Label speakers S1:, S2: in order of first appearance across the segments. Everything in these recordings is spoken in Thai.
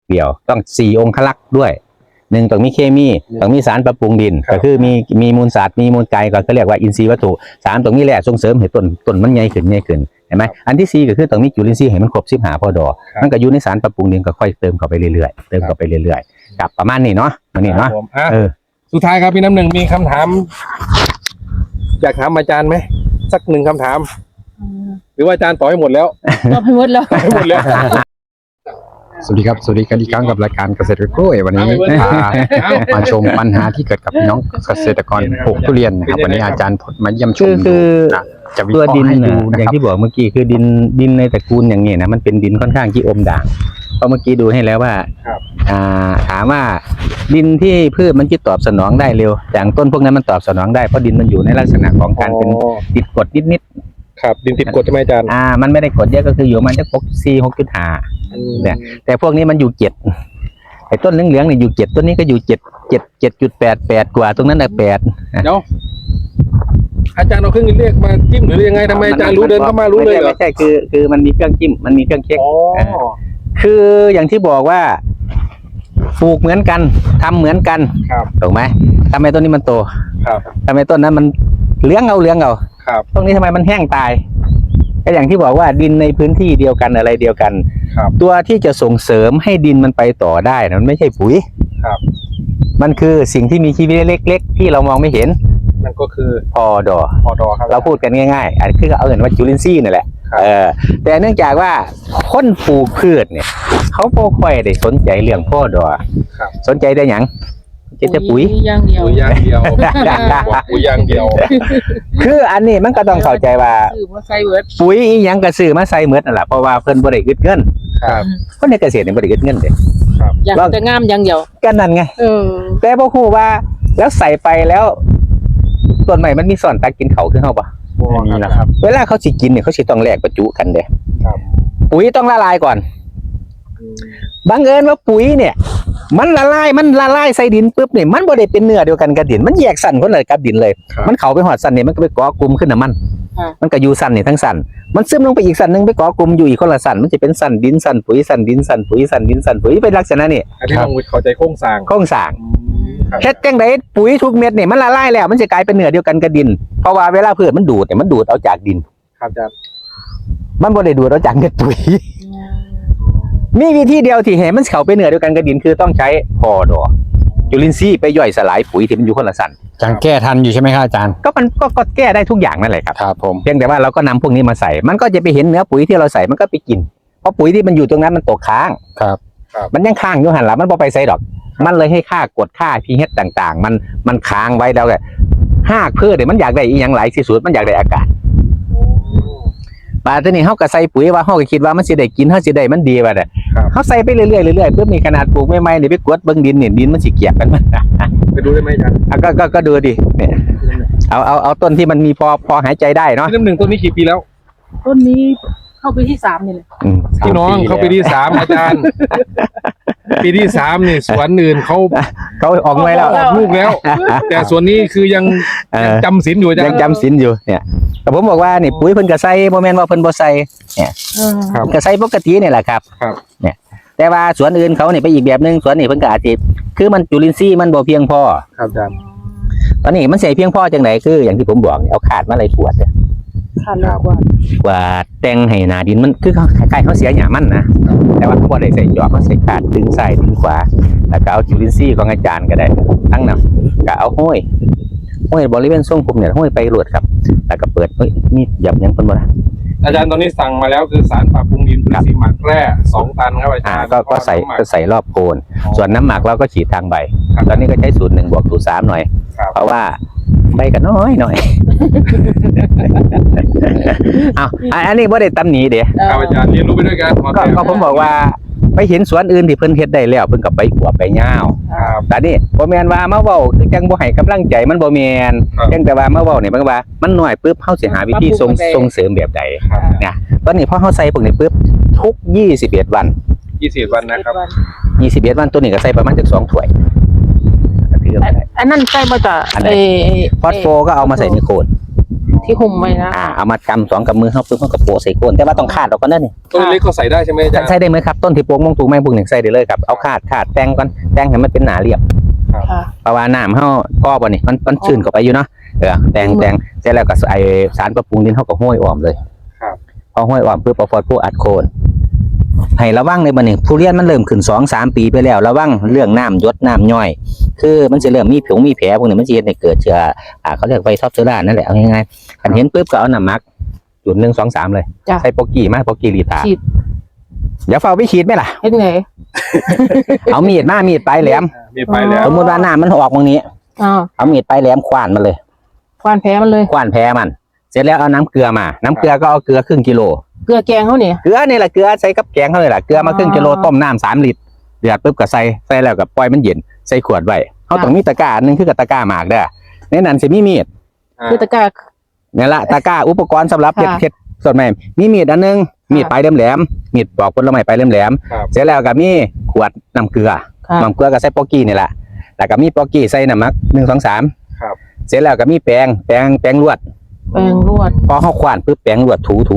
S1: เดียวต้อง4องคลักษ์ด้วย1ต้องมีเคมีต้องมีสารปรับปรุงดินก็คือมีมูลสัตว์มีมูลไก่ก็เรียกว่าอินทรีย์วัตถุ3ต้องมีแร่ส่งเสริมให้ต้นมันใหญ่ขึ้นเห็นไหมอันที่4ก็คือต้องมีจุลินทรีย์ให้มันครบ15พอดอมันก็อยู่ในสารปรับปรุงดินก็ค่อยเติมเข้าไปเรื่อยๆกับประมาณนี้เนาะวันนี้เนาะ
S2: สุดท้ายครับพี่น้ำหนึ่งมีคำถามอยากถามอาจารย์ไหมสัก1คำถาม หรือว่าอาจารย์ตอบให้หมดแล้ว
S3: ตอบให้หมดแล้ว
S4: สวัสดีครับสวัสดีกันอีกครั้งกับรายการเกษตรกล้วยวันนี้มาชมปัญหาที่เกิดกับพี่น้องเกษตรกรปลูกทุเรียนนะครับวันนี้อาจารย์พจน์มาเยี่ยมชม
S1: คือ
S4: จะวิ
S1: ตัว
S4: เคราะ
S1: ดิน
S4: ห์ให้ดู
S1: นะ
S4: นะ
S1: อย่าง
S4: ครับ
S1: ที่บอกเมื่อกี้คือดินในตระกูลอย่างนี้นะมันเป็นดินค่อนข้างที่อมด่างเพราะเมื่อกี้ดูให้แล้วว่าถามว่าดินที่พืชมันจะตอบสนองได้เร็วอย่างต้นพวกนั้นมันตอบสนองได้เพราะดินมันอยู่ในลักษณะของการเป็นติดกรดนิด
S2: ครับดินติดกรดใช่ไหมอาจารย์
S1: มันไม่ได้กรดเยอะก็คืออยู่มันจะ6.5เนี่ยแต่พวกนี้มันอยู่7ไอ้ต้นเหลืองๆเนี่ยอยู่7ต้นนี้ก็อยู่7.88กว่าตรงนั้นน่ะ8
S2: เดี๋ยวอาจารย์เอาเครื่องเรียกมาจิ้มหรือยังไงทำไมอาจารย์รู้เดินเข้ามารู้เลยเหรอ
S1: ไม่ใช่คือมันมีเครื่องจิ้มมันมีเครื่องเช็คคืออย่างที่บอกว่าปลูกเหมือนกันทำเหมือนกันถูกไหมทำไมต้นนี้มันโตทำไมต้นนั้นมันเลี้ยงเอาตรงนี้ทำไมมันแห้งตายก็อย่างที่บอกว่าดินในพื้นที่เดียวกันอะไรเดียวกันตัวที่จะส่งเสริมให้ดินมันไปต่อได้นะมันไม่ใช่ปุ๋ยมันคือสิ่งที่มีชีวิตเล็กๆที่เรามองไม่เห็น
S2: มันก็คือ
S1: พอดอครับเราพูดกันง่ายๆอันคือเอาเงินว่าจุลินทรีย์นี่แหละแต่เนื่องจากว่าคนปลูกพืชเนี่ยเขาไม่ค่อยได้สนใจเรื่องพ่อดอสนใจได้หยังจะปุ๋ย
S3: อย่างเดียว
S2: ปุ๋ยอย่างเดียว
S1: คืออันนี้มันก็ต้องเข้าใจว่าปุ๋ยยังกระสือมาใส่เมือนั่นแหละเพราะว่าเพิ่นบริอึดเงินคนในเกษตรเนี่ยบริอึดเงินเด็
S3: อยากจะงามอย่างเดียว
S1: ก็นั่นไงแต่พอครูว่าแล้วใส่ไปแล้วส่วนใหม่มันมีส่วนตักกินเขาขึ้นเข้าปะ
S4: นี่นะครับ
S1: เวลาเขาสิกินเนี่ยเขาสิต้องแลกประจุกันเด้ปุ๋ยต้องละลายก่อนบังเอิญว่าปุ๋ยเนี่ยมันละลายใส่ดินปุ๊บเนี่ยมันบ่ได้เป็นเนื้อเดียวกันกับดินมันแยกสั่นคนเลยกับดินเลยมันเข้าไปหอดสั่นเนี่ยมันก็ไปเกาะกลุ่มขึ้นน้ำมันก็อยู่สั่นเนี่ยทั้งสั่นมันซึมลงไปอีกสั่นนึงไปเกาะกลุ่มอยู่อีกคนละสั่นมันจะเป็นสั่นดินสั่นปุ๋ยสั่นดินสั่นปุ๋ยสั่นดินสั่นปุ๋ยเป็นลักษณะนี่
S2: อันนี้ต้องเข้าใจโครงสร้าง
S1: เฮ็ดจังได๋ปุ๋ยทุกเม็ดเนี่ยมันละลายแล้วมันจะกลายเป็นเนื้อเดียวกันกับดินเพราะว่าเวลาพืชมันดูดเนี่ยมันดูดเอาจากดิน
S2: ครับอาจารย์
S1: มันบ่ได้ดูดเอาจากเม็ดปุ๋ยมีวิธีเดียวที่ให้มันเข้าไปเนื้อเดียวกันกับดินคือต้องใช้พอดอจุลินทรีย์ไปย่อยสลายปุ๋ยที่มันอยู่คนละสั่น
S4: อาจารย์แก้ทันอยู่ใช่ไหมครับอาจารย์
S1: ก็มันก็แก้ได้ทุกอย่างนั่นแหละครับ
S4: ครับผม
S1: เพียงแต่ว่าเราก็นำพวกนี้มาใส่มันก็จะไปเห็นเนื้อปุ๋ยที่เราใส่มันก็ไปกินเพราะปุ๋ยที่มันอยู่ตรงนั้นมันตกค้างมันยังค้างอยู่หันหลังมันบ่ไปใส่ดอกมันเลยให้ค่ากดค่า pH ต่างๆมันค้างไว้แล้วแหละหากพืชเนี่ยมันอยากได้อีหยังหลายที่สุดมันอยากได้อากาศป่าตัวนี้เฮาก็ใส่ปุ๋ยว่าเฮาก็คิดว่ามันสิได้กินเฮาสิได้มันดีว่าแต่เฮาใส่ไปเรื่อยๆเพื่อมีขนาดปลูกใหม่ๆนี่ไปกดเบิ่งดินเนี่ยดินมันสิเกียกกันมัน
S2: ไปดูได้ไหมอาจารย์
S1: ก็ดูดิเนี่ยเอาต้นที่มันมีพอหายใจได้เนาะ
S2: ต้น1ต้นนี้กี่ปีแล้ว
S3: ต้นนี้เข้าปีที่3นี่แหละ
S2: พี่น้องเข้าปีที่3อาจารย์ปีที่3นี่สวนอื่นเขา
S1: ออกไว้แล้ว
S2: ออกลูกแล้วแต่ส่วนนี้คือยังจำศีลอยู่
S1: ยังจำศีลอยู่เนี่ยแต่ผมบอกว่านี่ปุ๋ยเพิ่นก็ใส่บ่แม่นว่าเพิ่นบ่ใส่เนี่ยก็ใส่ปกตินี่แหละครับเนี่ยแต่ว่าสวนอื่นเขาเนี่ยไปอีกแบบนึงสวนนี้เพิ่นก็อาจจะคือมันจุลินทรีย์มันบ่เพียงพอ
S2: ครับอาจารย์
S1: ตอนนี้มันใส่เพียงพอจังได๋คืออย่างที่ผมบอกเอาขาดมาเลยขวดเนี่ยกว่าแต่งให้หน้าดินมันคือเขาคล้ายๆเขาเสียหญ้ามันนะแต่ว่าเขาบ่ได้ใส่จอบเขาใส่ขาดดึงซ้ายดึงขวาแล้วก็เอาจุลินทรีย์ของอาจารย์ก็ได้ทั้งนั้นก็เอาห้อยบริเวณทรงผมเนี่ยห้อยไปรวดครับแล้วก็เปิดมีหยับยังเพิ่นบ่ล่ะ
S2: อาจารย์ตอนนี้สั่งมาแล้วคือสารปรับปรุงดินสีหมักแร่2 ตันครับอาจารย์
S1: ก็ใส่รอบโคนส่วนน้ำหมักเราก็ฉีดทางใบตอนนี้ก็ใช้สูตร1 บวกสูตร 3หน่อยเพราะว่าใบก็น้อยหน่อยอันนี้บ่ได้ตำหนิเด้
S2: ครับอาจารย์เรียนรู้ไปด้วยกัน
S1: ก็ผมบอกว่าไปเห็นสวนอื่นที่เพิ่นเฮ็ดได้แล้วเพิ่นก็ไปขวบไปย่าวแต่นี่บ่แม่นว่ามาเว้าคือจังบ่ให้กำลังใจมันบ่แม่นจังแต่ว่ามาเว้านี่มันว่ามันน้อยปึ๊บเฮาสิหาวิธีส่งเสริมแบบใดเนี่ยตอนนี้พอเฮาใส่พวกนี้ปึ๊บทุก21วัน
S2: 21 วัน
S1: วันตัวนี้ก็ใส่ประมาณจัก2 ถ้วย
S3: อันนั้นใส่มาจาก
S1: ฟอสโฟก็เอามาใส่ในโคน
S3: ที่ห่มไว้นะ
S1: เอามากำสองกำมือเข้าปุ๊บมันก็โปะใส่โคนแต่ว่าต้องคาดออกก่อนนั่นนี่
S2: ต้นเล็กก็ใส่ได้ใช่ไหมอาจารย์
S1: ใส่ได้ไหมครับต้นที่โปะมงตูกไม้พวกหนึ่งใส่ได้เลยครับเอาคาดแต่งก่อนแต่งให้มันเป็นหนาเรียบ
S3: ค่ะ
S1: เพราะว่าน้ำเฮาก็บ่นี่มันชื้นเข้าไปอยู่เนาะแต่งเสร็จแล้วก็ไอสารปรับปรุงดินเฮาก็ห้อยอ้อมเลย
S2: ครับ
S1: พอห้อยอ้อมปุ๊บเอาฟอสโฟอัดโคนให้ระวังในบัดนี้ทุเรียนมันเริ่มขึ้น 2-3 ปีไปแล้วระวังเรื่องน้ำหยดน้ำย่อย คือมันจะเริ่มมีผิวมีแผลพวกนี้มันจะเฮ็ดให้เกิดเชื้อเขาเรียกไวรัสท็อปเชื้อรานั่นแหละเอาง่ายๆคันเห็นปุ๊บก็เอาน้ำหมักจุด1 2 3เลย
S3: จ้ะ
S1: ใส่โปกี้มาโปกี้ลีตา
S3: ฉีด
S1: เดี๋ยวเฝ้าไปฉีดไหมล่ะ
S3: เฮ็ดไง
S1: เอามีดปลายแหลม
S2: มีไปแล้ว
S1: สมมุติว่าน้ำมันออกตรงนี้ เอามีดปลายแหลมขว้านมันเลย
S3: ควานแพ้มันเลย
S1: ขว้านแพ้มัน เสร็จแล้วเอาน้ำเกลือมาน้ำเกลือก็เอาเกลือครึ่งกิโล
S3: เกลือแกงเขาเนี่ย
S1: เกลือนี่แหละเกลือใส่กับแกงเขาเลยล่ะเกลือมาครึ่งกิโลต้มน้ำ3 ลิตรเดือดปุ๊บก็ใส่แล้วก็ปล่อยมันเย็นใส่ขวดไว้เขาต้องมีตะกร้าอันนึงคือกับตะกร้าหมากเด้อในนั้นสิมีมีด
S3: คือตะกร้า
S1: นี่ละตะกร้าอุปกรณ์สำหรับเฮ็ดสดใหม่มีมีดอันนึงมีดปลายแหลมๆมีดปอกผลไม้ปลายแหลมๆเสร็จแล้วก็มีขวดน้ำเกลือ
S3: ค่ะ
S1: น้ำเกลือก็ใส่โปกี้นี่แหละแล้วก็มีโปกี้ใส่น้ำมัก1 2 3
S2: ครับ
S1: เสร็จแล้วก็มีแป้งลวด
S3: แปรงรวด
S1: พอเขาขว้านปุ๊บแป้งลวดถู
S3: อ๋อ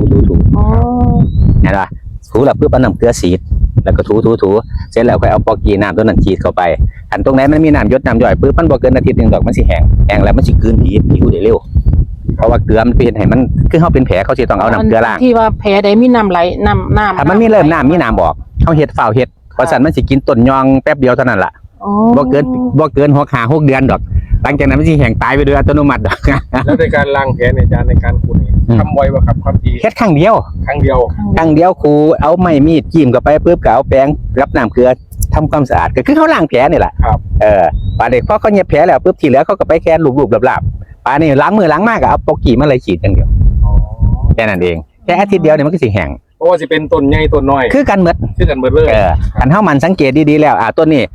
S1: เห็นป่ะถูแล้วปุ๊บเอาน้ำเกลือสีดแล้วก็ถูเสร็จแล้วค่อยเอาโปกี้น้ำตัวนั้นฉีดเข้าไปอันตรงไหนมันมีน้ำหยดน้ำย่อยปุ๊บมันบ่เกินอาทิตย์หนึงดอกมันสิแห้งแล้วมันสิกลืนผิวได้เร็วเพราะว่าเกลือมันเป็นให้มันคือเขาเป็นแผลเขาสิต้องเอาน้ำเกลือล้าง
S3: ที่ว่าแผลใดมีน้ำไหลน้ำ
S1: ถ้ามันมีเริ่มน้ำมีน้ำบอกเขาเฮ็ดฝ้าวเฮ็ดเพราะสันมันสิกินต้นยองแป๊บเดียวเท่านั้นล่ะ
S3: อ๋อ
S1: บ่เกิน6 เดือนดอกหลังจากนั้นมันสิแห้งตายไปโดยอัตโนมัติดอก
S2: แล้วในการล้างแผลในอาจารย์ในการขูดนี่ทำไวป่ะครับความที
S1: เฮ็ดครั้งเดียว
S2: ครั้งเดียว
S1: ครูเอาไม้มีดจิ้มเข้าไปปุ๊บก็เอาแป้งรับน้ำเกลือทำความสะอาดก็คือเขาล้างแผลนี่แหละ
S2: ครับ
S1: ปาเด็กพอเขาเย็บแผลแล้วปุ๊บที่เหลือเขาก็ไปแค่ลูบๆหลับๆปานี่ล้างมือล้างมากก็เอาโปกี้มาเลยฉีดอย่างเดียว
S2: อ๋อ
S1: แค่นั้นเองแค่อาทิตย์เดียวเนี่ยมันก็สิแห้ง
S2: เพราะว่าจะเป็นต้นใหญ่ต้นน้อย
S1: คือกันหมด
S2: ชื่อกันหมดเลย
S1: กันเฮามันสังเกตดีๆแล้วต้นนี้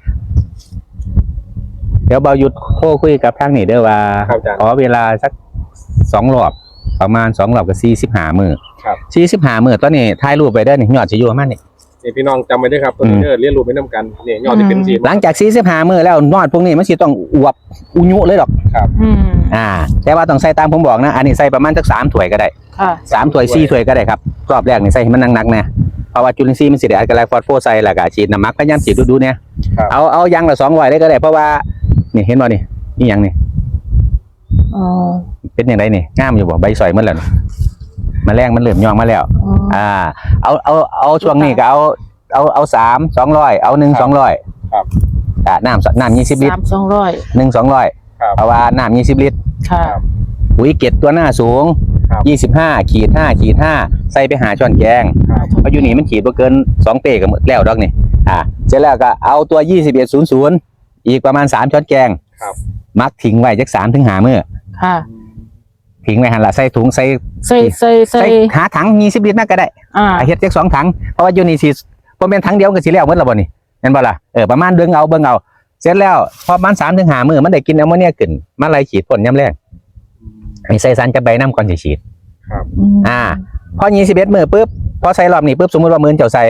S1: เดี๋ยวเบาหยุดโทรคุยกับทางนี่เด้อว่า
S2: ครับอาจารย์
S1: ขอเวลาสัก2 รอบประมาณ2 รอบก็45 มื้อ
S2: ครับ
S1: 45 มื้อตอนนี้ถ่ายรูปไปได้นี่ยอดสิอยู่ประมาณนี้
S2: นี่พี่น้องจำไว้ด้วยครับต้นนี้เรียนรู้ไปน้ำกันเนี่ยยอดที่เป็นสี
S1: หลังจาก45 มื้อแล้วยอดพวกนี้มันสิต้องอวบอุยุเลยดอก
S3: อืม
S1: แต่ว่าต้องใส่ตามผมบอกนะอันนี้ใส่ประมาณสัก3 ถ้วยก็ได้
S3: ค่ะ
S1: 3 ถ้วย4 ถ้วยก็ได้ครับรอบแรกนี่ใส่ให้มันหนักๆนะเพราะว่าจุลินทรีย์มันสิได้อัดกับไลฟอสโฟใส่แล้วก็ฉีดน้ำหมักพยายามฉีดดูๆเนี่ยเอายางละ200ได้ก็ได้เพราะว่านี่เห็นบ่นี่หยังนี่
S3: อ๋อ
S1: เป็นอย่างไรนี่งามอยู่บ่ใบสอยมันแล้วนี่แมลงมันเริ่มย่องมาแล้ว
S3: อ๋อ
S1: เอาช่วงนี้ก็เอา3 200เอา1 200
S2: ครับ
S4: น้ำ20 ลิตร
S3: 300
S1: 1 200
S2: ครับ
S1: เพราะว่าน้ำ20 ลิตร
S3: ค่ะ
S1: ปุ๋ยเกล็ดตัวหน้าสูง
S2: ครับ
S1: 25/5 ใส่ไปหาช้อนแกง
S2: ครับ
S1: เพราะอยู่นี่มันขีดบ่เกิน2 เป้ก็หมดแล้วดอกนี่เสร็จแล้วก็เอาตัว2100อีกประมาณ3 ช้อนแกง
S2: ครับ
S1: มักทิ้งไว้จัก3 ถึง 5 มื้อ
S3: ค่ะ
S1: ทิ้งไว้หั่นล่ะใส่ถุงใส่
S3: ใส่
S1: หาถัง20 ลิตรน่าก็ได้ เฮ็ดจัก2 ถังเพราะว่าอยู่นี่สิบ่แม่นถังเดียวก็สิแล้วหมดแล้วบ่นี่แม่นบ่ล่ะประมาณเบิ่งเอาเสร็จแล้วพอประมาณ3 ถึง 5 มื้อมันได้กินแอมโมเนียขึ้นมาไล่ฉีดพ่นยามแลงให้ใส่สารกับใบน้ำก่อนสิฉีด พอ21 มื้อปุ๊บพอใส่รอบนี้ปุ๊บสมมุติว่ามื้อเจ้าใส่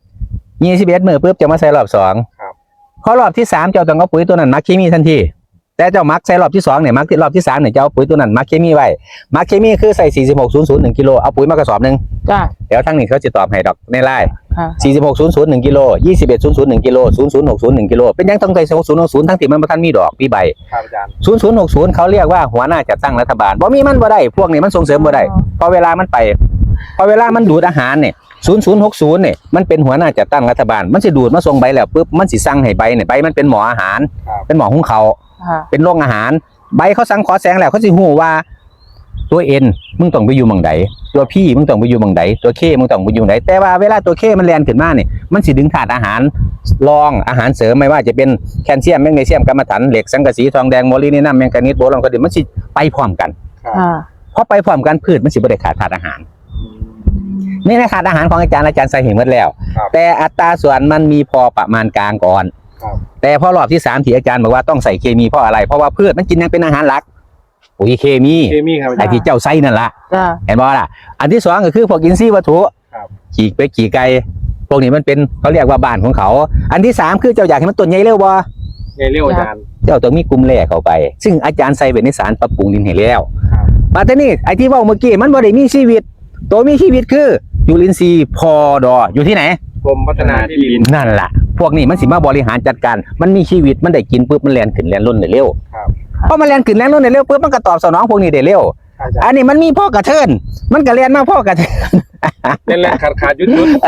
S1: 21 มื้อปุ๊บจะมาใส่รอบ2พอรอบที่3เจ้าต้องเอาปุ๋ยตัวนั้นมักเคมีทันทีแต่เจ้ามักใส่รอบที่2เนี่ยมักที่รอบที่3เนี่ยเจ้าเอาปุ๋ยตัวนั้นมักเคมีไว้มักเคมีคือใส่4600 1กิโลเอาปุ๋ยมากระสอบนึง
S3: จ้ะ
S1: เดี๋ยวทางนี้เขาจะตอบให้ดอกในไลน์
S3: ค่ะ
S1: 4600 1กิโล2100 1กิโล0060 1กิโลเป็นยังต้องใส่0060ทั้งที่มันบ่ทันมีดอกมีใบ
S2: ครับอาจารย์
S1: 0060เขาเรียกว่าหัวหน้าจัดตั้งรัฐบาลบ่มีมันบ่ได้พวกนี้มันส่งเสริมบ่ได้พอเวลามันดูดอาหารเนี่ย0060เนี่ยมันเป็นหัวหน้าจัดตั้งรัฐบาลมันสิดูดมาส่งใบแล้วปุ๊บมันสิสั่งให้ใบเนี่ยใบมันเป็นหมออาหารเป็นหมอหุงข้าว
S3: ค่ะ
S1: เป็นโรงอาหารใบเขาสั่งขอแสงแล้วเขาสิฮู้ว่าตัวเอ็นมึงต้องไปอยู่หม่องใดตัวพี่มึงต้องไปอยู่หม่องใดตัวเคมึงต้องไปอยู่ไหนแต่ว่าเวลาตัวเคมันแล่นขึ้นมาเนี่ยมันสิดึงธาตุอาหารรองอาหารเสริมไม่ว่าจะเป็นแคลเซียมแมกนีเซียมกัมมันถันเหล็กสังกะสีทองแดงโมลินีนัมแมงกานีสโบรอนคอดินมันสิไปพร้อมกัน
S3: ค่ะ
S1: เพราะไปพร้อมกันพืชมันสิบ่ได้ขาดธาตุอาหารนี่นะขาดอาหารของอาจารย์ใส่เห็นหมดแล้ว แต่อัตราส่วนมันมีพอประมาณกลางก่อนแต่พอรอบที่3ที่อาจารย์บอกว่าต้องใส่เคมีเพราะอะไรเพราะว่าพืชมันกินยังเป็นอาหารหลักปุ๋ยเคมี
S2: ครับอาจา
S1: ไอ้
S2: รย์
S1: ที่เจ้าใส่นั่นล่ะ
S3: จ้ะ
S1: เห็นบ่ล่ะอันที่2ก็คือพวกอินทรีย์วัตถุ
S2: ครับ
S1: ขี่เป็ดขี่ไก่พวกนี้มันเป็นเขาเรียกว่าบ้านของเขาอันที่3คือเจ้าอยากให้มันต้นใหญ่เร็วบ่
S2: ไงเรียกอาจารย์
S1: เจ้าต้องมีกลุ่มแร่เข้าไป ซึ่งอาจารย์ใส่เป็นในสารปรับปรุงดินให้แล้วมาแต่นี่ไอ้ที่เว้าเมื่อกี้มันบ่ได้มีชีวิตตัวมีชีวิตคือจุลินทรีย์พอดออยู่ที่ไหน
S2: กรมพัฒนาที่ดิน
S1: นั่นล่ะพวกนี้มันสิมาบริหารจัดการมันมีชีวิตมันได้กินปุ๊บมันแล่นขึ้นแล่นล้นได้เร็ว
S2: ครับ
S1: พอมันแล่นขึ้นแล่นล้นได้เร็วปุ๊บมันก็ตอบสนองพวกนี้ได้เร็ว
S2: อาจารย์
S1: อันนี้มันมีพ่อกระเทินมันก็แล่นมาพ่อกระเทิน
S2: เล่นขาดยุด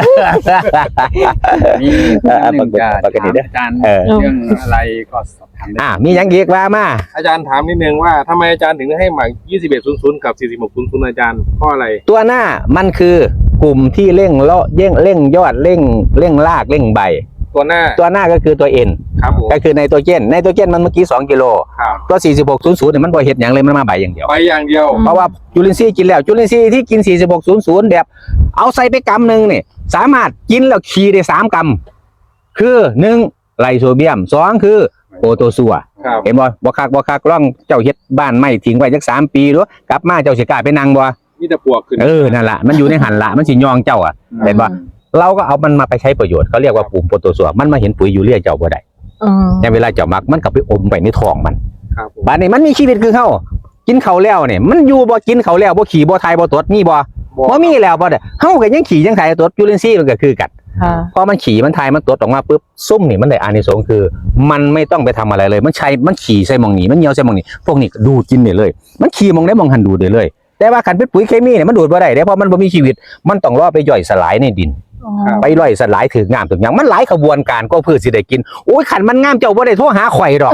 S4: มีหนึ่งการ
S1: ปกติเด้อ
S4: อาจารย์
S1: เออ
S4: เรื่องอะไรก็สอบถามได้
S1: มีหยังอีกว่ามา
S2: อาจารย์ถามนิดนึงว่าทำไมอาจารย์ถึงให้หมาก2100กับ4600อาจารย์เพราะอะไร
S1: ตัวหน้ามันคือกลุ่มที่เร่งเลาะเร่งยอดเร่งรากเร่งใบ
S2: ตัวหน้า
S1: ตัวหน้าก็คือตัวเอ็น
S2: ครับผม
S1: ก็คือไนโตรเจนมันเมื่อกี้2กิโล
S2: ครับ
S1: ตัว4600เนี่ยมันบ่เฮ็ดหยังเลยมันมาใบอย่างเดียว
S2: ไปอย่างเดียว
S1: เพราะว่าจุลินทรีย์กินแล้วจุลินทรีย์ที่กิน4600แบบเอาใส่ไปกำหนึ่งเนี่ยสามารถกินแล้วขี่ได้3กำคือ1ไลโซเบียม2คือโปรโตซัว
S2: ครับ
S1: เห็นบ่คักล่องเจ้าเฮ็ดบ้านไม่ทิ้งไว้จัก3ปีดูกลับมาเจ้าสิกล้าไปนั่งบ่
S2: นี่จะปวกขึ้น
S1: นั่นล่ะมันอยู่ในหันละมันสิยองเจ้าอ่ะเห็นบ่เราก็เอามันมาไปใช้ประโยชน์เขาเรียกว่าปุ่มโปรโตซัวมันมาเห็นปุ๋ยยูเรียเจ้าบ่ได้ แต่เวลาเจ้ามักมันก็ไปอมไปในท้องมัน
S2: ครับผม
S1: บัดนี้มันมีชีวิตคือเฮากินข้าวแล้วเนี่ยมันอยู่บ่กินข้าวแล้วบ่ขี่บ่ทายบ่ตดมีบ่บ่มีแล้วบ่ได้เฮาก็ยังขี่ยังทายตดจุลินทรีย์มันก็คือกัน
S3: ค่ะ
S1: พอมันขี่มันทายมันตดออกมาปุ๊บซุ่มนี่มันได้อานิสงส์คือ มันไม่ต้องไปทำอะไรเลยมันขี่ใส่หมองนี้มันเหี่ยวใส่หมองนี้พวกนี้ก็ดูดกินได้เลย มันขี่หมองได้หมองหันดูดได้เลย แต่ว่าคันเป็นปุ๋ยเคมีเนี่ยมันดูดบ่ได้เด้เพราะมันบ่มีชีวิตมันต้องรอไปย่อยสลายในดิน ไปย่อยสลายถึงงามถึงหยังมันหลายขบวนการก็เพื่อสิได้กินโอ้ยขันมันงามเจ้าบ่ได้โทรหาข่อยดอก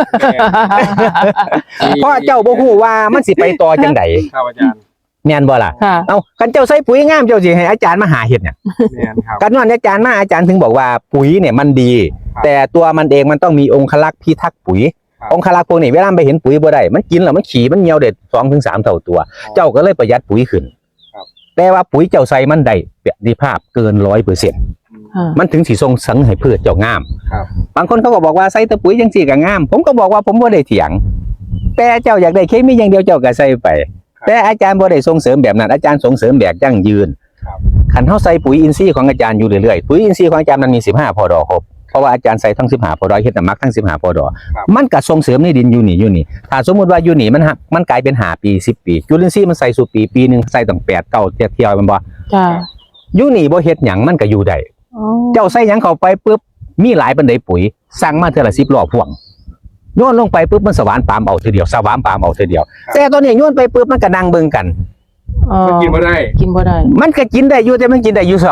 S1: เพราะเจ้าบ่ฮู้ว่ามันสิไปต่อจังได
S2: ครับอาจารย์
S1: แม่นบ่ล่ะ
S3: ค่ะ
S1: เอาคันเจ้าใส่ปุ๋ยงามเจ้าสิให้อาจารย์มาหาเฮ็ดหยัง
S2: แม่นครับ
S1: กันว่าอาจารย์มาอาจารย์ถึงบอกว่าปุ๋ยเนี่ยมันดี
S2: ครับ
S1: แต่ตัวมันเองมันต้องมีองคลักษ์พิทักษ์ปุ๋ย
S2: ครับ
S1: องคลักษ์พวกนี้เวลาไปเห็นปุ๋ยบ่ได้มันกินแล้วมันขี่มันเหี่ยวเด็ด2 ถึง 3เท่าตัว เจ้าก็เลยประหยัดปุ๋ยขึ้น
S2: ครับ
S1: แต่ว่าปุ๋ยเจ้าใส่มันได้ประสิทธิภาพเกิน 100% มันถึงสิส่งเสริมให้พืชเจ้างาม
S2: ครับ
S1: บางคนเขาก็บอกว่าใส่แต่ปุ๋ยจังซี่ก็งาม ผมก็บอกว่าผมบ่ได้เถียง แต่เจ้าอยากได้เคมีอย่างเดียวเจ้าก็ใส่ไป แต่อาจารย์บ่ได้ส่งเสริมแบบนั้นอาจารย์ส่งเสริมแบบยั่งยืน
S2: ครับ
S1: คันเฮาใส่ปุ๋ยอินทรีย์ของอาจารย์อยู่เรื่อยๆปุ๋ยอินทรีย์ของอาจารย์มันมี15พอดอครบเพราะว่าอาจารย์ใส่ทั้ง15พอดอเฮ็ดน้ำหมักทั้ง15พอดอ
S2: ครับ
S1: มันก็ส่งเสริมในดินอยู่นี่ถ้าสมมุติว่าอยู่นี่มันกลายเป็น5ปี10ปีจุลินทรีย์มันใส่สู่ปีนึงใส่ตั้ง8 9เที่ยวแม่นบ่
S3: จ้า
S1: อยู่นี่บ่เฮ็ดหยังมันก็อยู่ได้ เจ้าใส่หยังเข้าไปปุ๊บมีหลายปานใดปุ๋ยสั่งมาเทื่อละ10ล้อพ่วงโยนลงไปปุ๊บมันสว่านปาล์มเอาเทื่อเดียวสว่านปาล์มเอาเทื่อเดียว แต่ตอนนี้โยนไปปุ๊บมันก็นั่งเบิ่งกัน
S2: มันกินมาได้
S3: กินบ่ได้
S1: มันก็กินได้อยู่แต่มันกินได้อยู่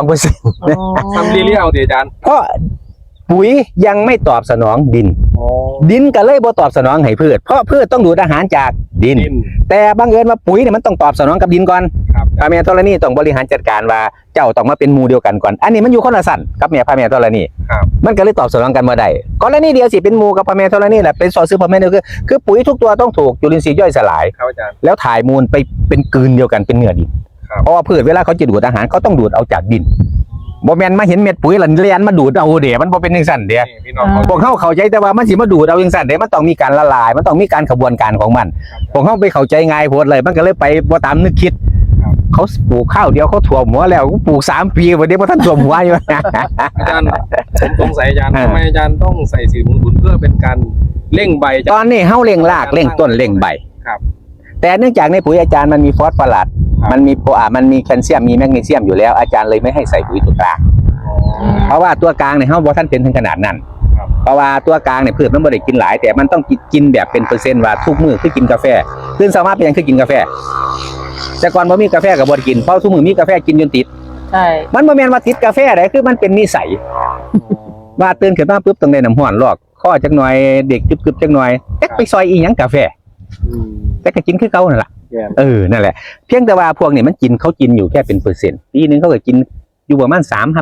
S1: 2%
S2: ทำเรียเอาดิอาจารย์
S1: เพราะปุ๋ยยังไม่ตอบสนองดิน ดินก็เลยบ่ตอบสนองให้พืชเพราะพืชต้องดูดอาหารจากดิน
S2: ดิน
S1: แต่บังเอิญว่าปุ๋ยเนี่ยมันต้องตอบสนองกับดินก่อน
S2: ครับ
S1: พระแม่ธรณีต้องบริหารจัดการว่าเจ้าต้องมาเป็นหมู่เดียวกันก่อน อันนี้มันอยู่คนละสั่นกับแม่พระแม่ธรณี
S2: ครับ
S1: มันก็เลยตอบสนองกันบ่ได้กรณีเดียวสิเป็นหมู่กับพระแม่ธรณีแหละเป็นสอซื้อพระแม่เดียวคือปุ๋ยทุกตัวต้องถูกจุลินทรีย์ย่อยสลาย
S2: ครับอาจารย์
S1: แล้วถ่ายมูลไปเป็นกลืนเดียวกันเป็นเนื้อดิน
S2: ครับ
S1: เพราะว่าพืชเวลาเขาจะดูดอาหารเขาต้องดูดเอาจากดินบ่แม่นมาเห็นเม็ดปุ๋ยแล้วเลียนมาดูดเอาเดี๋ยวมันบ่เป็นจังซั่นเด้
S2: นี่พี่น้องเขา
S1: พวกเขาเข้าใจแต่ว่ามันสิมาดูดเอาจังซั่นเด้มันต้องมีการละลาย มันต้องมีการขบวนการของมันพวกเขาไปเข้าใจง่ายโพดเลยมันก็เลยไปบ่ตามนึกคิด เขาปลูกข้าวเดียวเขาถ่วมหัวแล้วปลูก3 ปีวันนี้บ่ทันถ่วมหัวอยู่
S2: อาจารย์ผมสงสัยอาจารย์ทำไมอาจารย์ต้องใส่สีมุนเพื่อเป็นการเร่งใบ
S1: ตอนนี้เฮาเร่งรากเร่งต้นเร่งใบ
S2: ครับ
S1: แต่เนื่องจากในปุ๋ยอาจารย์มันมีฟอสฟอรัส
S2: ครับ
S1: มันมีมันมีแคลเซียมมีแมกนีเซียมอยู่แล้วอาจารย์เลยไม่ให้ใส่ปุ๋ยตัวกลางเพราะว่าตัวกลางเนี่ยเฮาบ่ทันเป็นถึงขนาดนั้น
S2: ครับ
S1: เพราะว่าตัวกลางเนี่ยพืชมันบ่ได้กินหลาย แต่มันต้องกินแบบเป็นเปอร์เซ็นต์ว่าทุกมื้อคือกินกาแฟตื่นเช้ามาเป็นหยังคือกินกาแฟแต่ก่อนบ่มีกาแฟก็บ่ได้กินเพราะทุกมื้อมีกาแฟกินจนติด
S3: ใช่
S1: มันบ่แม่นว่าติดกาแฟได้คือมันเป็นนิสัยว่าตื่นขึ้นมาปุ๊บต้องได้น้ำร้อนลอกข้อจักหน่อยเด็กกึบๆจักหน่อยจักไปซอยอีหยังกาแฟ
S2: อืม
S1: แต่ก็กินคือเก่านั่นล่ะ
S2: แย่
S1: นั่นแหละเพียงแต่ว่าพวกนี้มันเขากินอยู่แค่เป็นเปอร์เซ็นต์ปีนึงเขาก็กินอยู่ประมาณ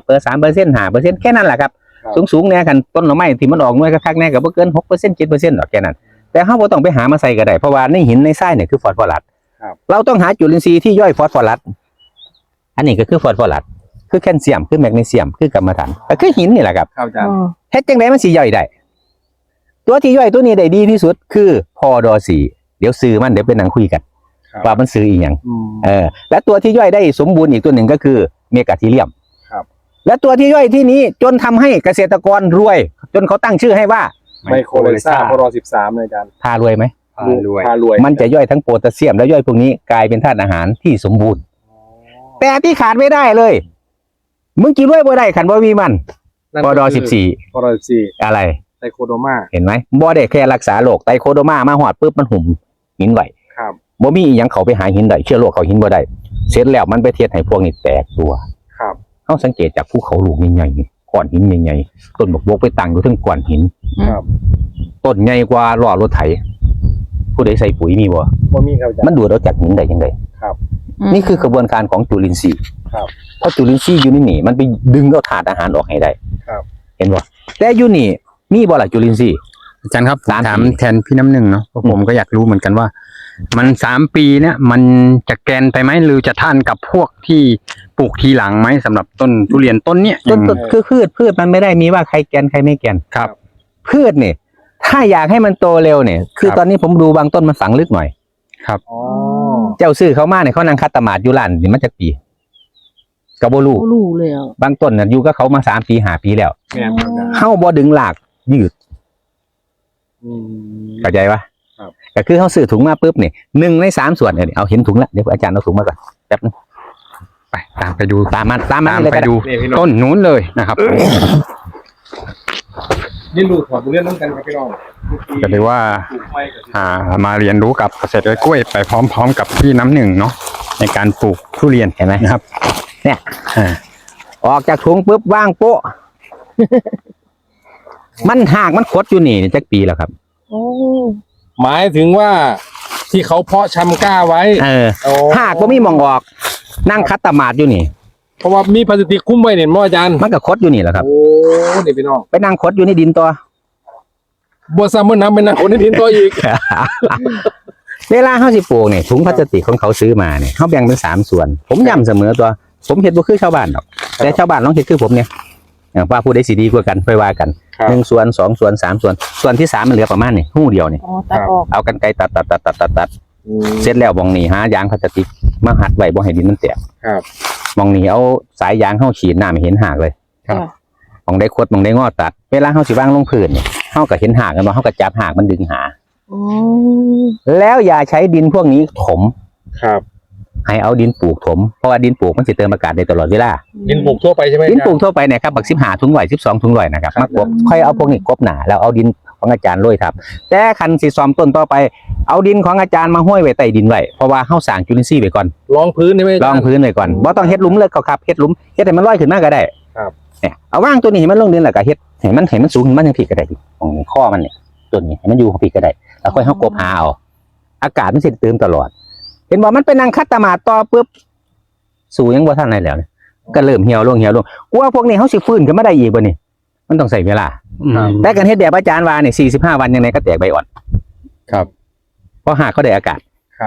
S1: 3% 5%แค่นั้นแหละครับสูงๆเนี่ยคันต้นหน่อไม้ที่มันออกหน่วยคักๆเนี่ยก็บ่เกิน 6% 7%หรอกแค่นั้นแต่เฮาบ่ต้องไปหามาใส่ก็ได้เพราะว่าในหินในทรายเนี่ยคือฟอสฟอรัสเราต้องหาจุลินทรีย์ที่ย่อยฟอสฟอรัสอันนี้ก็คือฟอสฟอรัสคือแคลเซียมคือแมกนีเซียมคือกรรมฐานก็คือหินนี่แหละครับ
S2: ครับอาจารย์
S1: เฮ็ดจังได๋มันสิย่อยได้ตัวที่ย่อยตัวนี้ได้ดีที่สุดคือพอดอ4เดี๋ยวซื้อมันเดี๋ยวไปนั่งคุยกัน
S2: ครับ
S1: ว่ามันซื้ออีหยัง
S2: อืม
S1: และตัวที่ย่อยได้สมบูรณ์อีกตัวหนึ่งก็คือเมกาทีเรียม
S2: ครับ
S1: และตัวที่ย่อยที่นี้จนทำให้เกษตรกรรวย จนเขาตั้งชื่อให้ว่า
S2: ไมโครเลซ่าพร13เลยอาจารย์
S1: พารวยไหม
S2: พารวย
S1: มันจะย่อยทั้งโพแทสเซียมและย่อยพวกนี้กลายเป็นธาตุอาหารที่สมบูรณ์ แต่ที่ขาดไม่ได้เลย มึงกินด้วยบ่ได้ขันบ่มีมันปด14
S2: ปด14
S1: อะไร
S2: ไตโคโดมา
S1: เห็นไหมบ่ได้แค่รักษาโรคไตโคโดมามาหอดปุ๊บมันหุ่มหินไหว
S2: ครับ
S1: บ่มีอีหยังเขาไปหาหินได้เชื้อโรคเขาหินบ่ได้เสร็จแล้วมันไปเทียดให้พวกนี้แตกตัว
S2: ครับ
S1: เฮาสังเกตจากภูเขาลูกใหญ่ๆนี่ก้อนหินใหญ่ๆต้นบกบกไปตั้งอยู่ถึงก้อนหิน
S2: ครับ
S1: ต้นใหญ่กว่าล้อรถไถผู้ใดใส่ปุ๋ยมีบ่
S2: บ่มีครับอาจารย์
S1: มันดูดเอาจากหินได้จังได
S2: ครับ
S1: นี่คือกระบวนการของจุลินทรีย์
S2: ครับ
S1: เพราะจุลินทรีย์อยู่นี่มันไปดึงเอาธาตุอาหารออกให้ได้
S2: ครับ
S1: เห็นบ่แต่อยู่นี่มีบ่ล่ะจุลินทรีย์
S4: อาจารย์ครับผม
S1: 3
S4: ถาม
S1: ปี
S4: แทนพี่น้ำหนึ่งเนาะเพราะผมก็อยากรู้เหมือนกันว่า มัน3 ปีเนี่ยมันจะแกนไปไหมหรือจะท่านกับพวกที่ปลูกทีหลังไหมสำหรับต้นทุเรียนต้นเนี้ย
S1: ต้นคือพืชมันไม่ได้มีว่าใครแกนใครไม่แกน
S4: ครับ
S1: พืชเนี่ยถ้าอยากให้มันโตเร็วเนี่ยคือ
S4: ครับ
S1: ตอนนี้ผมดูบางต้นมันฝังลึกหน่อย
S4: ครับ
S2: อ๋อ
S1: เจ้าซื้อเขามาเนี่ยเขานั่งคัดตะหมาดอยู่ร้านนี่มันจะปีกระโบลู
S3: โอ้รู้เลยอ่ะ
S1: บางต้นน่ะอยู่กับเขามา3 ปี5 ปีแล้ว
S2: แม่นครับอาจารย์
S1: เฮาบ่ดึงหลากยืด
S2: อืม
S1: เข้าใจปะ
S2: ครับ
S1: ก็คือเขาซื้อถุงมาปุ๊บเนี่ย1 ใน 3 ส่วนเนี่ยเอาเห็นถุงละเดี๋ยวอาจารย์เอาถุงมาก่อนแป๊บนึง
S4: ไปตามไปดู
S1: ตามมัน
S4: ตาม
S1: เลย
S4: ไป
S1: ก็ได้
S4: ดู
S2: นี่พี่น้อง
S4: ต้นนู้นเลยนะครับ
S2: นี่ลูกถอดเรื่องน้ำกันครับพี่น้อง
S4: ก็เลยว่า
S2: ปลูกไม้กับ
S4: มาเรียนรู้กับเกษตรกล้วยไปพร้อมๆกับพี่น้ำหนึ่งเนาะในการปลูกทุเรียน
S1: เห็นไหม
S4: นะครับ
S1: เนี่ย
S4: อ่า
S1: ออกจากถุงปุ๊บว่างโป๊ะ มันหากมันคดอยู่นี่จักปีแล้วครับ
S3: โอ้
S2: หมายถึงว่าที่เขาเพาะชำกล้าไว้ โอ้
S1: หากบ่มีหมองออก นั่งคัดตะหมาดอยู่นี่
S2: เพราะว่ามีพลาสติกคุ้มไว้เนี่ยมั้งอาจารย์
S1: มันก็คดอยู่นี่แหละครับ
S2: โอ้นี่พี่น้อง
S1: ไปนั่งคดอยู่ในดินตัว
S2: บัวซ้ำมันน้ำเป็นน้ำคนในดินตัวอีก
S1: เวลาเขาสิปลูกเนี่ยถุงพลาสติกของเขาซื้อมาเนี่ยเขาแบ่งเป็น3 ส่วน ผมย้ำเสมอตัว ผมเห็นบ่คือชาวบ้านหรอกแต่ชาวบ้านลองเห็นคือผมเนี่ยว่าผู้ใดสิดีกว่ากันไปว่ากัน
S2: ครับ
S1: 1 ส่วน 2 ส่วน 3 ส่วนที่3มันเหลือประมาณนี่หู้เดียวนี่
S3: อ๋อตัดออก
S1: เอากันไกรตัด
S2: อืม
S1: เสร็จแล้วมองนี่หายางพลาสติกมาหัดไว้บ่ให้ดินมันแตก
S2: ครับ
S1: มองนี่เอาสายยางเข้าฉีดน้ำให้เห็นหากเลย
S2: ครับ
S1: มองได้คดมองได้งอตัด เวลาเข้าสิว่างลงพื้นเนี่ยเข้าก็เห็นหากกันว่าเข้าก็จับหากมันดึงหา
S3: โอ้
S1: แล้วอย่าใช้ดินพวกนี้ถม
S2: ครับ
S1: ให้เอาดินปลูกถมเพราะว่าดินปลูกมันสิเติมอากาศได้ตลอดเวลา
S2: ดินปลูกทั่วไปใช่ไหม
S1: ดินปลูก
S2: อาจารย์
S1: ทั่วไปเนี่ยครับบัก15 ถุงร้อย12 ถุงร้อยนะครับ
S2: ครับ
S1: มากบค่อยเอาพวกนี้กบหนาแล้วเอาดินของอาจารย์โรยทับแต่คันสิซ้อมต้นต่อไปเอาดินของอาจารย์มาห้อยไว้ใต้ดินไว้เพราะว่าเฮาสร้างจุลินทรีย์ไว้ก่อน
S2: รองพื้นใช่ไหมอา
S1: ล
S2: จา
S1: อ
S2: รง ย์
S1: พื้นไว้ก่อนบ่ต้องเฮ็ดหลุมเลยครับเฮ็ดหลุมเฮ็ดให้มันลอยขึ้นมาก็ได้
S2: ครับ
S1: เนี่ยเอาว่างตัวนี้ให้มันลงดินแล้วก็เฮ็ดให้มันสูงขึ้นมาจังซี่ก็ได้ดิของข้อมันเนี่ยตัวนี้ให้มันอยู่ของพี่ก็ได้แล้วค่อยเฮากบหาเอาอากาศมันสิเติมตลอด เห็นบ่มันเป็นนางคัดตะหมาดต่อปุ๊บสู่ยังบ่ทันได้แล้วเนี่ยก็เริ่มเหี่ยวลงกว่าพวกนี้เฮาสิฟื้นขึ้นมาได้อีกบ่นี่มันต้องใช้เวลา แต่กันเฮ็ดแบบอาจารย์ว่าเนี่ย45 วันยังไงก็แตกใบอ่อน
S4: ครับ
S1: เพราะหากเขาได้อากาศ
S2: ครับ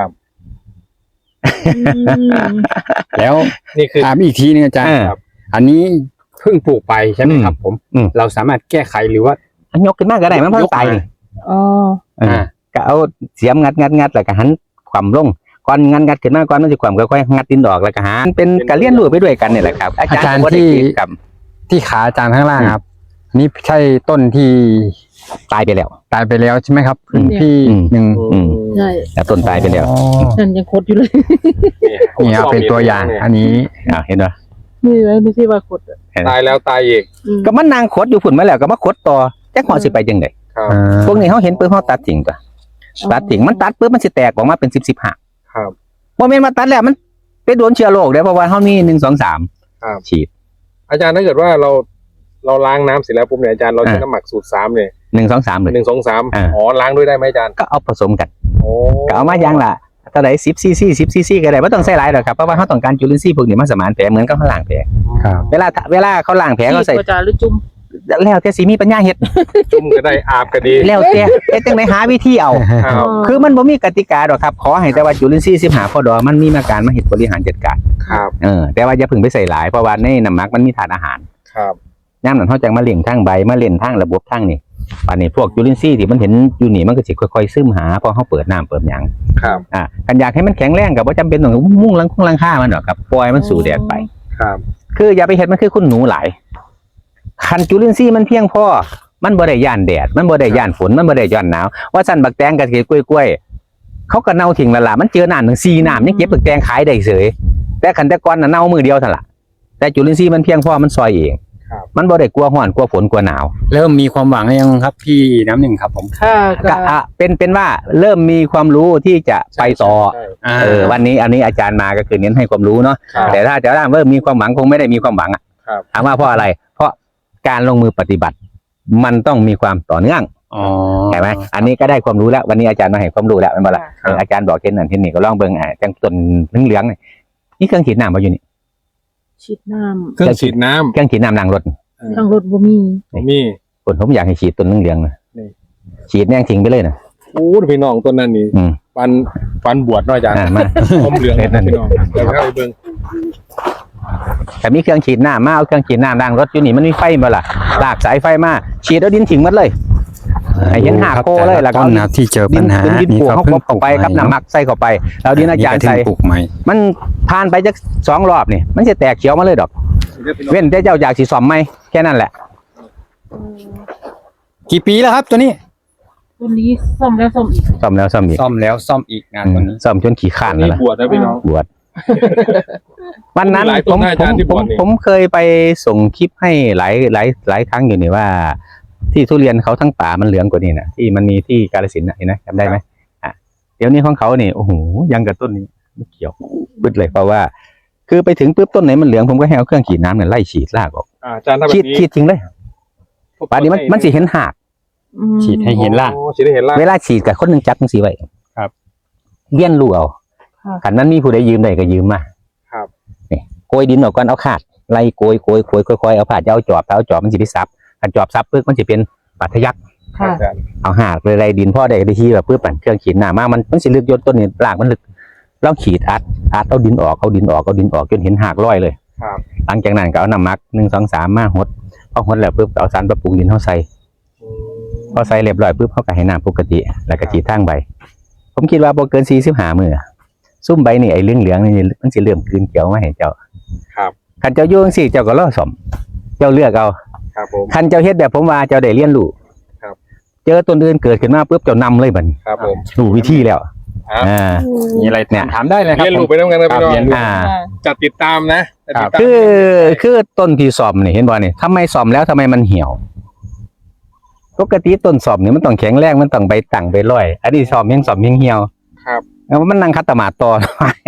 S4: แล้ว
S2: นี่คือ
S4: ถามอีกทีนึงอาจารย์
S1: ครับ
S4: อันนี้เพิ่งปลูกไปใช่ไหมครับ ผม
S1: อืม
S4: เราสามารถแก้ไขหรือว่า
S1: อันยกขึ้นมาก็ได้มันเพิ่งตายนี่
S3: อ๋อ
S1: ก็เอาเสียมงัดแล้วก็หันความลงก่อนงัดขึ้นมาก่อนมันสิความค่อยๆงัดดินออกแล้วก็หาเป็นการเรียนรู้ไปด้วยกันนี่แหละครับ อาจารย์บ่ได้คิดกับ
S4: ที่ขาอาจารย์ข้างล่างครับ นี่ใช่ต้นที่
S1: ตายไปแล้ว
S4: ตายไปแล้วใช่ไหมครับ
S1: อืม
S4: พี่
S1: อืม
S4: หนึ่ง
S1: อืม
S3: ใช่
S1: แล้วต้นตายไปแล้ว
S4: อ๋อ
S3: นั่นยังคดอยู่เลย
S4: นี่ครับเป็นตัวอย่าง อันนี้
S1: เห็นบ่
S3: นี่ไว้ไม่ใช่ว่าคดอ่ะ
S2: ตายแล้วตายอีก
S3: อืม
S1: ก็มันนางขดอยู่พุ่นมาแล้วก็มาขดต่อจักหอสิไปจังได๋
S2: ครับ
S1: พวกนี้เฮาเห็นปุ๊บเฮาตัดทิ้งตัวตัดทิ้งมันตัดปุ๊บมันสิแตกออกมาเป็น10หาก
S2: ครับ
S1: บ่แม่นมาตัดแล้วมันไปโดนเชื้อโรคเด้อเพราะว่าเฮามี1 2 3
S2: ครับ
S1: ฉีด
S2: อาจารย์ถ้าเกิดว่าเราล้างน้ำเสร็จแล้วปุ๊บเนี่ยอาจารย์เราใช้น้ำหมักสูตร3เนี่ย
S1: 1 2 3เลย
S2: 1 2 3
S1: อ่า
S2: อ๋อล้างด้วยได้ไหมอาจารย์
S1: ก็เอาผสมกัน
S2: โอ้
S1: ก็เอามาอย่างละเท่าไหร่10 cc ก็ได้บ่ต้องใส่หลายหรอกครับเพราะว่าเฮาต้องการจุลินทรีย์พวกนี้มาสมานแผลเหมือนกับเขาล้างแผล
S4: ครับ
S1: เวลาเขาล้างแผลเขาใส่
S3: ที่ประจานหรือจุ่ม
S1: แล้วแต่สิมีปัญญาเฮ็ด
S2: จุ่มก็ได้อาบก็ดี
S1: แล้วแต่เฮ็ดจังได๋หาวิธีเอา
S2: ครับ
S1: คือมันบ่มีกติกาดอกครับ ขอให้แต่ว่าจุลินทรีย์15พอดอมันมีมาการมาเฮ็ดบริหารจัดการ
S2: ครับ
S1: แต่ว่าอย่าเพิ่งไปใส่หลายเพราะว่าในน้ำหมักมันมีธาตุอาหาร
S2: ครับ
S1: ยามนั้นเฮาจังมาเลี้ยงทางใบมาเล่นทางระบบทางนี่ป่านนี้พวกจุลินทรีย์ที่มันเห็นอยู่นี่มันก็สิค่อยๆซึมหาพอเฮาเปิดน้ำเปิดหยัง
S2: ครับ
S1: คันอยากให้มันแข็งแรงก็บ่จำเป็นต้องมุ่งลังค่ามันหรอกครับปล่อยมันสู่แดดไป
S2: ครับ
S1: คืออย่าไปเฮ็ดมันคือคุณหนูหลายคันจุลินทรีย์มันเพียงพอมันบ่ได้ย่านแดดมันบ่ได้ย่านฝนมันบ่ได้ย่านหนาวว่าสั่นบักแตงกับกล้วยเขาก็เน่าทิ้งและล่ะมันเจอน้ำถึง4น้ำยังเก็บบักแตงขายได้เฉยแต่คันแต่ก่อนน่ะเน่ามือเดียวเท่านั้นล่ะแต่จุลินทรีย์มันเพียงพอมันซอยเองมันบ่ได้กลัวร้อนกลัวฝนกลัวหนาว
S4: เริ่มมีความหวังหรือยังครับพี่น้ำหนึ่งครับผม
S3: ค่ะก็
S1: ก็เป็นว่าเริ่มมีความรู้ที่จะไปต่อ
S2: ใช่
S1: วันนี้อันนี้อาจารย์มาก็คือเน้นให้ความรู้เนาะ
S2: ครับ
S1: แต่ถ้าจะเริ่มมีความหวังคงไม่ได้มีความหวังอ่ะ
S2: ครับ
S1: ถามว่าเพราะอะไร เพราะการลงมือปฏิบัติ มันต้องมีความต่อเนื่อง
S4: อ๋อ
S1: ใช่ไหมอันนี้ก็ได้ความรู้แล้ววันนี้อาจารย์มาให้ความรู้แล้วเป็นบ่ล่ะ
S2: ครับ
S1: อาจารย์บอกเช่นนั้นเช่นนี้ก็ลองเบิ่งจังต้นเหลืองๆนี่เครื่องฉีดน้ำมาอยู่นี่
S3: ฉีดน้
S2: เครื่องฉีดน้
S1: เครื่องฉีดน้ำล้างรถ
S3: ำทางรถบ่มี
S2: ำมี
S1: ผมอยากให้ฉีดต้นเหลืองๆนะ
S2: นี่
S1: ฉีดแน่งทิ้งไปเลยนะ
S2: โอ้พี่น้องต้นนั้นนี่
S1: อืม
S2: ปันบวชเนาะอาจารย์
S1: มา
S2: ผมเหลือง
S1: เฮ็ดนั่น
S2: พี่น้องเดี๋ยวเข้าไปเบิ่ง
S1: แต่มีเครื่องฉีดน้ำมาเอาเครื่องฉีดน้ำล้างรถอยู่นี่มันมีไฟบ่ล่ะลากสายไฟมาฉีดเอาดินทิ้งหมดเลยให้เห็นหากโกเลยแล้วก็
S4: ต้นนะที่เจอปัญหา
S1: ดินปลูกเขาเข้าไปครับน้ำหมักใส่เข้าไปแล้วดินอาจารย์ใส่
S4: ปลูกใหม่
S1: มันผ่านไปจัก2 รอบนี่มันจะแตกเขียวมาเลยดอก เว้นแต่เจ้าอยากสิซ่อมไหมแค่นั้นแหละ
S4: กี่ปีแล้วครับตัวนี้
S3: ตัวนี้ซ่อมแล้วซ่อมอีก
S1: ซ่อมแล้วซ่อมอีก
S4: ซ่อมแล้วซ่อมอีกงานตัวนี้
S1: ซ่อมจนขี้ข้าน
S2: นี่
S1: แล้วล่ะ
S2: บวชนะพี่น้อง
S1: บวชวันนั้น
S2: มีหลายต้
S1: ผ
S2: น
S1: ม
S2: นะอาจารย์ที่บวชนี่
S1: ผมเคยไปส่งคลิปให้หลายครั้งอยู่นี่ว่า ที่ทุเรียนเขาทั้งป่ามันเหลืองกว่านี้นะที่มันมีที่กาฬสินธุ์น่ะเห็นไหมจำได้ไหมเดี๋ยวนี้ของเขานี่โอ้โหยังกับต้นนี้ไม่เกี่ยวบึดเลยเพราะว่า คือไปถึงปุ๊บต้นไหนมันเหลืองผมก็ให้เอาเครื่องฉีดน้ำเนี่ยไล่ฉีดลากออก
S2: อาจารย์ถ้าแบ
S1: ฉีด
S2: บนี้
S1: ฉีดทิ้งเลยป่านนี้มันสิเห็นหาก
S4: ฉีดให้เห็นล่ะ
S2: โอ้ฉีดให้เห็นล่ะ
S1: เวลาฉีดกับคนหนึ่งจับจังสีไว้
S2: ครับ
S1: เลี้ยนรูเอา
S3: ค่ะ
S1: ขันนั้นมีผู้ใดยืมได้ก็ยืมมา
S2: ครับ
S1: นี่โกยดินออกก่อนเอาขาดไล่โกยค่อยๆเอาผ่าจะเอาจอบเอาจอบมันสิไปซับขันจอบซับปึ๊บมันจะเป็นปัทยัก
S3: ค่ะ
S2: อาจารย์
S1: เอาหากเลยไล่ดินพ่อได้ที่แบบปึ๊บปั่นเครื่องฉีดน้ำมามันสิลึกยนต้นนี่รากมันลึกลองฉีดอัดเอาดินออกจนเห็นหากร้อยเลย
S2: ครับ
S1: หลังจากนั้นก็เอาน้ำหมัก1 2 3มาหดพอหดแล้วปึ๊บเอาสารปรับปรุงดินเข้าใส่ พอใส่เรียบร้อยปุ๊บเขาก็ให้น้ำปกติแล้วก็ฉีดทางใบ ผมคิดว่าบ่เกิน45 มื้อซุ่มใบนี่ไอ้เหลืองๆนี่มันสิเริ่มกลืนเขียวมาให้เจ้า
S2: ครับ
S1: คันเจ้าอยู่จังซี่เจ้าก็รอซ่อมเจ้าเลือกเอา
S2: ครับผม
S1: คันเจ้าเฮ็ดแบบผมว่าเจ้าได้เรียนรู้
S2: ครับ
S1: เจอต้นอื่นเกิดขึ้นมาปุ๊บเจ้านำเลยบัดนี้
S2: ครับผม
S1: รู้วิธีแล้ว
S2: ครับ
S4: มีอะไรถามได้เลยครับ
S2: เรียนรู้ไปด้วยกันนะพี่น้อง
S4: เรียนรู้
S2: จัดติดตามนะจัดติดตาม
S1: คือต้นที่ซ่อมนี่เห็นบ่นี่ทำไมซ่อมแล้วทำไมมันเหี่ยวปกติต้นซ่อมนี่มันต้องแข็งแรงมันต้องใบตั้งใบร้อยอันนี้ซ่อมยังเหี่ยว
S2: ครับ
S1: แล้วมันนั่งคัตตมาดต่อ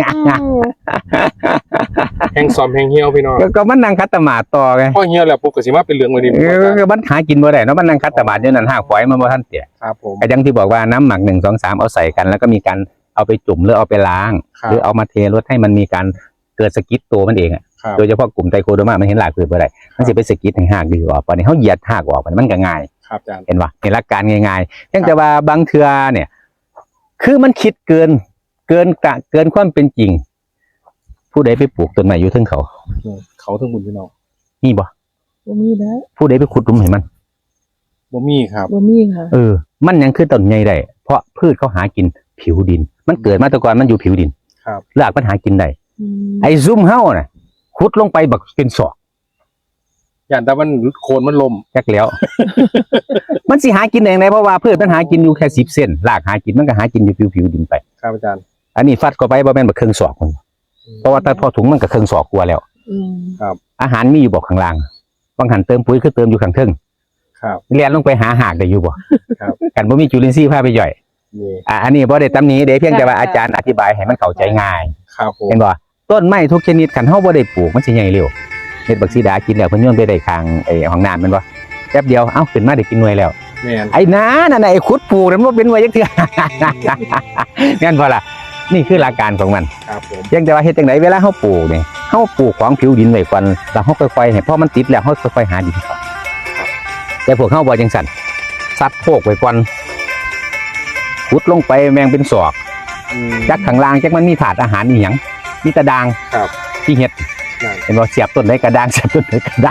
S2: แห้งซ้อมแห้งเหี่ยวพี่น้อง
S1: ก็มันนั่งคัตตมาดต่อไง
S2: พอเหี่ยวแล้วปุ๊บก็สิมาเป็นเหลืองเลยดิ
S1: มันหากินบ่ได้เนาะมันนั่งคัตตมาดอยู่นั่นหากฝอยมันบ่ทันเตี้ย
S2: ครับผม
S1: ก็อย่างที่บอกว่าน้ำหมัก1 2 3เอาใส่กัน แล้วก็มีการเอาไปจุ่มหรือเอาไปล้าง
S2: ครับ
S1: หรือเอามาเทรดให้มันมีการเกิดสกิดตัวมันเองอ่ะ
S2: ครับ
S1: โดยเฉพาะกลุ่มไตโคโดมามันเห็นหลากคือบ่ได้มันสิไปสกิดให้หากดื้อออกปานนี้เฮาเหยียดหากออกปานนี้มันก็ง่าย
S2: ครับอาจารย์
S1: เห็นป่ะในหลักการง่ายๆเพียงแต่ว่าบางเทื่อเนี่ย คือมันคิดเกินความเป็นจริง ผู้ใดไปปลูกต้นไม้อยู่เทึงเขา
S2: เขาถึงบุญพี่น้อง
S1: มีบ่
S3: บ่มีแล้ว
S1: ผู้ใดไปขุดหลุมให้มัน
S2: บ่มีครับ
S3: บ่มีค่ะ
S1: มันยังคือต้นใหญ่ได้เพราะพืชเขาหากินผิวดิน มันเกิดมาแต่ก่อนมันอยู่ผิวดิน
S2: ครับ
S1: รากมันหากินได้
S3: อืม
S1: ไอ้ซุ่มเฮาน่ะขุดลงไปบักเป็นศอก
S2: อย่างแต่มันโคนมันลม
S1: จักแล้ว มันสิหากินเองได้เพราะว่าพืชมันหากินอยู่แค่10 เซนรากหากินมันก็หากินอยู่ผิวดินไป
S2: ครับอาจารย์
S1: อันนี้ฟัดเข้าไปบ่แม่นบักครึ่งศอกมันเพราะว่าถ้าพอถุงมันก็ครึ่งศอกกว่าแล้ว
S3: อืม
S1: อาหารมีอยู่บ่ข้างล่างบางหันเติมปุ๋ยคือเติมอยู่ข้างเทิง
S2: ครับ
S1: เรียนลงไปหาหากได้อยู่บ่
S2: ครับ
S1: กันบ่มีจุลินทรีย์พาไปย่อย
S2: นี่
S1: อันนี้บ่ได้ตำหนิเด้เพียงแต่ว่าอาจารย์อธิบายให้มันเข้าใจง่าย
S2: ครับผม
S1: เห็นบ่ต้นไม้ทุกชนิดคันเฮาบ่ได้ปลูกมันสิใหญ่เร็วเฮ็ดบักซีดากินแล้วเพิ่นโยนไปได้ข้างไอ้ห้องน้ำแม่นบ่แป๊บเดียวเอ้าขึ้นมาได้กินหน่วยแล้ว
S2: แม่น
S1: ไอ้น้านั่นน่ะไอ้ขุดปลูกนั่นบ่เป็นหน่วยจักเทื่อ แม่นบ่ล่ะนี่คือหลักการของมัน
S2: ครับผม
S1: เพียงแต่ว่าเฮ็ดจังไดเวลาเฮาปลูกนี่เฮาปลูกของผิวดินไว้ก่อนแล้วเฮาค่อยๆให้พอมันติดแล้วเฮาค่อยๆหาดินเข้าแต่พวกเฮาบ่จังซั่นซัดโพกไว้ก่อนขุดลงไปแมงเป็นศอก จักข้างล่างจักมันมีถาดอาหารอีหยังมีตะดาง
S2: ครับ
S1: ที่เฮ็ด
S2: นั่น
S1: เห็นบ่เสียบต้นไหนกระดางเสียบต้นไหนกระดาง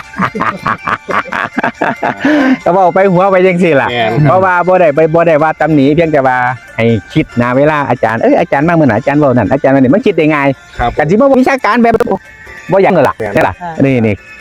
S1: ก็เว้าไปหัวไปจังซี่ล่ะ
S2: แม่น
S1: เพราะว่าบ่ได้ว่าตำหนิเพียงแต่ว่าให้คิดนะเวลาอาจารย์อาจารย์มาเมื่อไหร่อาจารย์เว้านั่นอาจารย์ว่านี่มันคิดได้ง่าย
S2: ครับ
S1: กันสิบ่วิชาการแบบบ่อย่างนั้นล่ะ
S2: แม่น
S1: ใช่ล่ะนี่